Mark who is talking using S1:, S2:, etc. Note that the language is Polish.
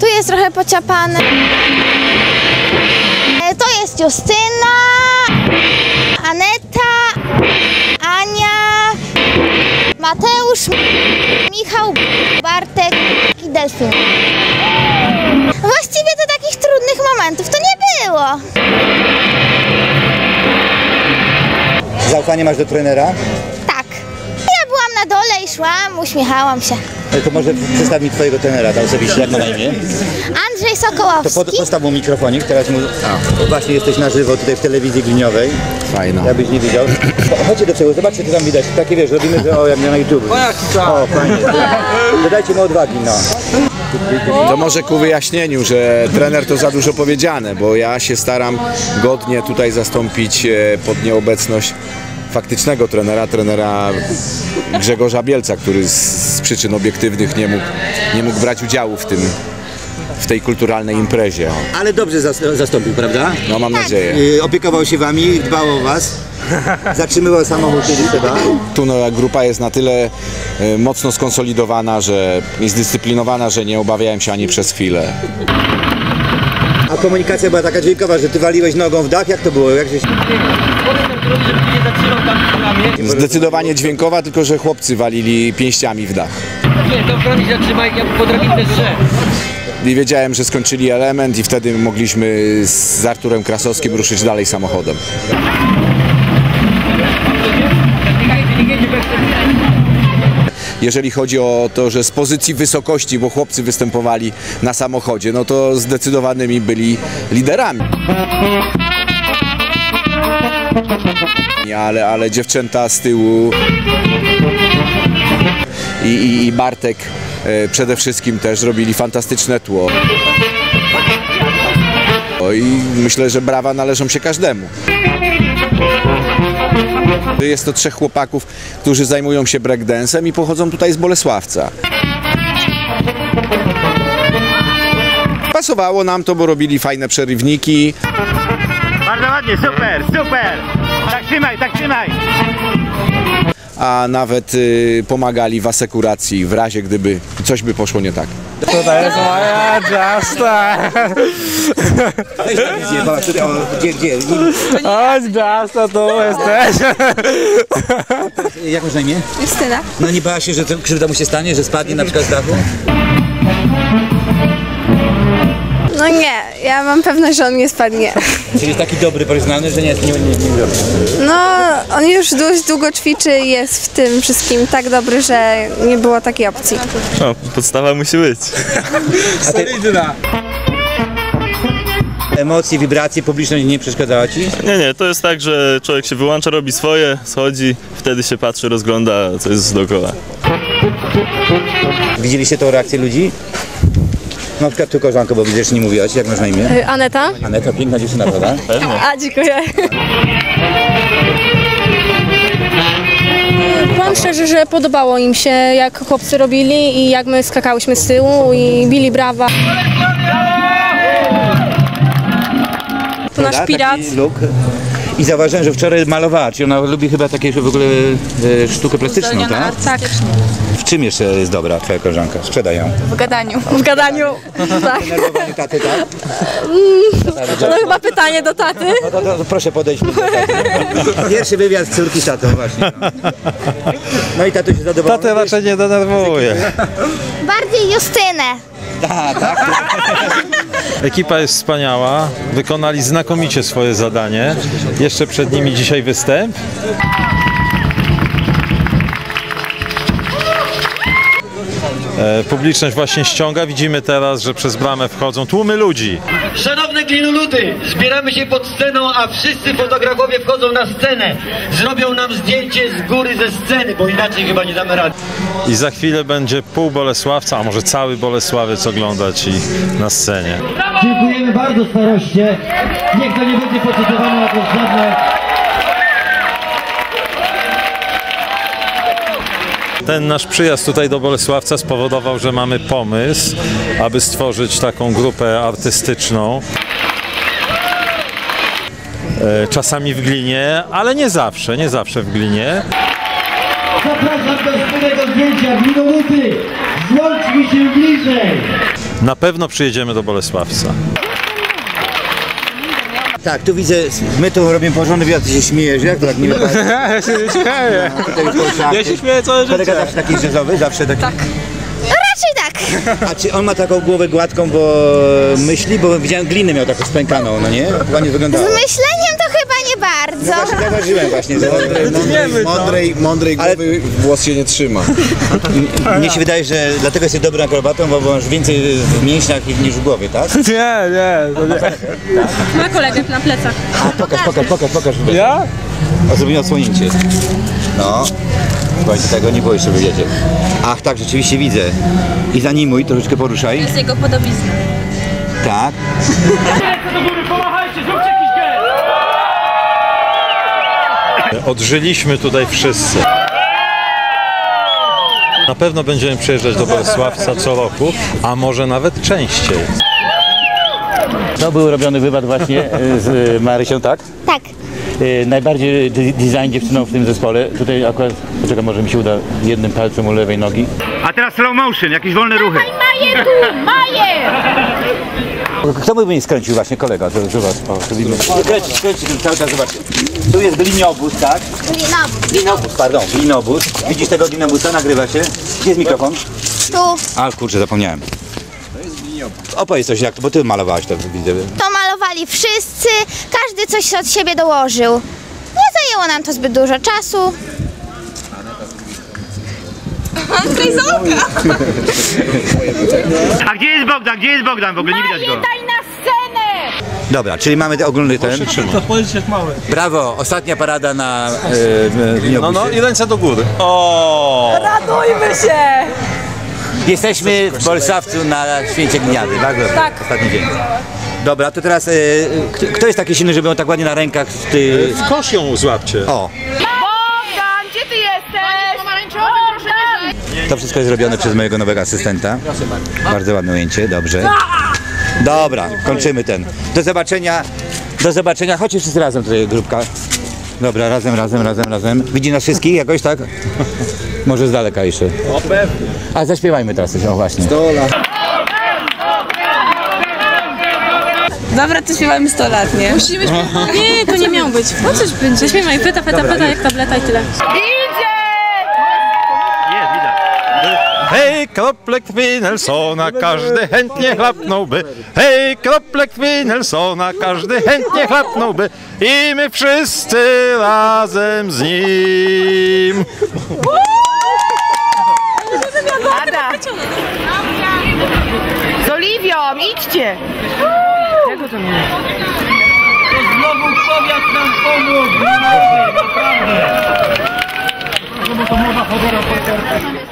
S1: Tu jest trochę pociapane. To jest Justyna, Aneta, Ania, Mateusz, Michał, Bartek i Delfin. Właściwie to takich trudnych momentów to nie było.
S2: Zaufanie masz do trenera?
S1: Tak. Ja byłam na dole i szłam, uśmiechałam się.
S2: To może przedstaw mi twojego trenera tam osobiście, jak ma na imię?
S1: Andrzej Sokołowski.
S2: To postaw mu mikrofonik, teraz mu... Właśnie jesteś na żywo tutaj w telewizji Gliniowej.
S3: Fajna.
S2: Jakbyś nie widział. Chodźcie do przodu, zobaczcie, co tam widać. Takie wiesz, robimy, że o, jak na YouTube. O, fajnie. Dodajcie mu odwagi, no.
S3: To może ku wyjaśnieniu, że trener to za dużo powiedziane, bo ja się staram godnie tutaj zastąpić pod nieobecność faktycznego trenera Grzegorza Bielca, który z przyczyn obiektywnych nie mógł brać udziału w tej kulturalnej imprezie.
S2: Ale dobrze zastąpił, prawda?
S3: No mam nadzieję.
S2: Opiekował się wami, dbał o was. Zatrzymywał samochód, kiedy trzeba.
S3: Tu grupa jest na tyle mocno skonsolidowana i zdyscyplinowana, że nie obawiałem się ani przez chwilę.
S2: A komunikacja była taka dźwiękowa, że ty waliłeś nogą w dach? Jak to było?
S3: Zdecydowanie dźwiękowa, tylko że chłopcy walili pięściami w dach.
S4: Nie, to chronić zatrzymaj, ja potrafię też
S3: I wiedziałem, że skończyli element i wtedy mogliśmy z Arturem Krasowskim ruszyć dalej samochodem. Jeżeli chodzi o to, że z pozycji wysokości, bo chłopcy występowali na samochodzie, no to zdecydowanymi byli liderami. Ale dziewczęta z tyłu i Bartek przede wszystkim też robili fantastyczne tło. I myślę, że brawa należą się każdemu. Jest to 3 chłopaków, którzy zajmują się breakdance'em i pochodzą tutaj z Bolesławca. Pasowało nam to, bo robili fajne przerywniki.
S5: Bardzo ładnie, super, super! Tak trzymaj, tak trzymaj!
S3: A nawet pomagali w asekuracji w razie, gdyby coś by poszło nie tak.
S6: Tutaj jest moja Justa!
S2: Gdzie?
S6: Chodź Justa, tu jesteś!
S2: Jak masz na imię?
S1: Justyna.
S2: No nie bała się, że krzywda mu się stanie, że spadnie na przykład z dachu?
S7: No nie, ja mam pewność, że on nie spadnie.
S2: Czyli jest taki dobry, profesjonalny, że nie robi.
S7: No, on już dość długo ćwiczy i jest w tym wszystkim tak dobry, że nie było takiej opcji.
S8: No, podstawa musi być.
S2: Solidna. Emocje, wibracje, publiczność nie przeszkadzała ci?
S8: Nie, to jest tak, że człowiek się wyłącza, robi swoje, schodzi, wtedy się patrzy, rozgląda, co jest dookoła.
S2: Widzieliście tą reakcję ludzi? Na przykład tu koleżanko, bo widzisz, nie mówiłaś, jak masz na imię?
S7: Aneta?
S2: Aneta, piękna dziewczyna, prawda?
S8: Pewnie.
S7: A, dziękuję.
S9: Powiem szczerze, że podobało im się, jak chłopcy robili i jak my skakałyśmy z tyłu i bili brawa. To nasz pirat.
S2: I zauważyłem, że wczoraj malowała, czyli ona lubi chyba takie w ogóle sztukę plastyczną, tak?
S7: Tak.
S2: W czym jeszcze jest dobra twoja koleżanka? Sprzedaj ją.
S7: W gadaniu.
S9: W gadaniu, tak.
S2: Denerwowanie taty, tak?
S9: To chyba pytanie do taty.
S2: No, proszę podejść. Pierwszy wywiad z córki z tatą właśnie. No i tato się zadowolony.
S6: Tatę raczej nie denerwuje.
S1: Bardziej Justynę.
S2: Tak.
S6: Ekipa jest wspaniała, wykonali znakomicie swoje zadanie. Jeszcze przed nimi dzisiaj występ. Publiczność właśnie ściąga. Widzimy teraz, że przez bramę wchodzą tłumy ludzi.
S4: Szanowne glinuludy, zbieramy się pod sceną, a wszyscy fotografowie wchodzą na scenę. Zrobią nam zdjęcie z góry ze sceny, bo inaczej chyba nie damy rady.
S6: I za chwilę będzie pół Bolesławca, a może cały Bolesławiec oglądać i na scenie.
S4: Dziękujemy bardzo staroście. Niech to nie będzie poczytowane na to żadne...
S6: Ten nasz przyjazd tutaj do Bolesławca spowodował, że mamy pomysł, aby stworzyć taką grupę artystyczną. Czasami w Glinie, ale nie zawsze w Glinie.
S4: Zapraszam do wspólnego zdjęcia, glinoludy! Złączmy się bliżej!
S6: na pewno przyjedziemy do Bolesławca.
S2: Tak, tu widzę, my tu robimy porządny wiatr, ty się śmiejesz, jak to tak nie wypada?
S5: Ja się nie śmieję. Ja się śmieję całe życie.
S2: Kolega zawsze taki jazzowy, zawsze taki?
S1: Tak. Raczej tak.
S2: A czy on ma taką głowę gładką, bo myśli? Bo widziałem glinę miał taką spękaną, no nie? Ładnie wyglądało.
S1: Z myśleniem to chyba nie bardzo.
S2: No właśnie zauważyłem właśnie, że
S3: Mądrej głowy włos się nie trzyma.
S2: mnie się wydaje, że dlatego jesteś dobrym akrobatą, bo masz więcej w mięśniach niż w głowie, tak?
S5: Nie, to nie.
S9: Ma kolegę na plecach.
S2: A pokaż.
S5: Ja?
S2: O, zrobimy odsłonięcie. No. Słuchajcie, tego nie było jeszcze, wiecie. Ach, tak, rzeczywiście widzę. I zanimuj, troszeczkę poruszaj.
S9: To jest jego podobizna.
S2: Tak.
S6: Odżyliśmy tutaj wszyscy. Na pewno będziemy przyjeżdżać do Bolesławca co roku, a może nawet częściej.
S2: To był robiony wywiad właśnie z Marysią, tak?
S1: Tak.
S2: Najbardziej design dziewczyną w tym zespole. Tutaj akurat, poczekaj, może mi się uda jednym palcem u lewej nogi.
S5: A teraz slow motion, jakieś wolne ruchy.
S1: Maję tu, Maję!
S2: Kto by mnie skręcił właśnie? Kolega, zobacz, o, tu widzimy. Kręci, cały czas zobaczcie. Tu jest gliniobóz, tak? Gliniobóz. Widzisz tego glinobusa, nagrywa się. Gdzie jest mikrofon?
S1: Tu.
S2: A kurczę, zapomniałem. Opowiedz coś, jak to, bo ty malowałaś to, widzę.
S1: To malowali wszyscy, każdy coś od siebie dołożył. Nie zajęło nam to zbyt dużo czasu.
S5: A gdzie jest Bogdan? Gdzie jest Bogdan? W ogóle nie widać go.
S1: Daj na scenę!
S2: Dobra, czyli mamy ten ogólny ten. Brawo, ostatnia parada na
S6: No i ręce do góry. O!
S9: Radujmy się!
S2: Jesteśmy w Bolesławcu na Święcie Gniady, bardzo
S9: Tak.
S2: ostatni dzień. Dobra, to teraz kto jest taki silny, żeby ją tak ładnie na rękach ty...
S6: W kosz ją złapcie.
S2: O!
S9: Bogdan, gdzie ty jesteś? Pomarańczowy, proszę.
S2: To wszystko jest zrobione przez mojego nowego asystenta. Bardzo ładne ujęcie, dobrze. Dobra, kończymy ten. Do zobaczenia. Chodźcie wszyscy razem tutaj, grupka. Dobra, razem. Widzi nas wszystkich jakoś, tak? Może z daleka jeszcze. A zaśpiewajmy teraz coś, o właśnie.
S7: Dobra, to śpiewamy 100 lat, nie?
S9: Musimy śpiewać. Nie, to nie miało być. Po coś będzie? Zaśpiewaj, pyta, jak tableta i tyle.
S6: Hej, krople krwi Nelsona, każdy chętnie chlapnąłby. Hej, krople krwi Nelsona, każdy chętnie chlapnąłby. I my wszyscy razem z nim.
S9: Ada! Z Oliwią, idźcie! Czego to nie?
S4: Znowu powiat nam pomógł! Naprawdę! To mowa chodora po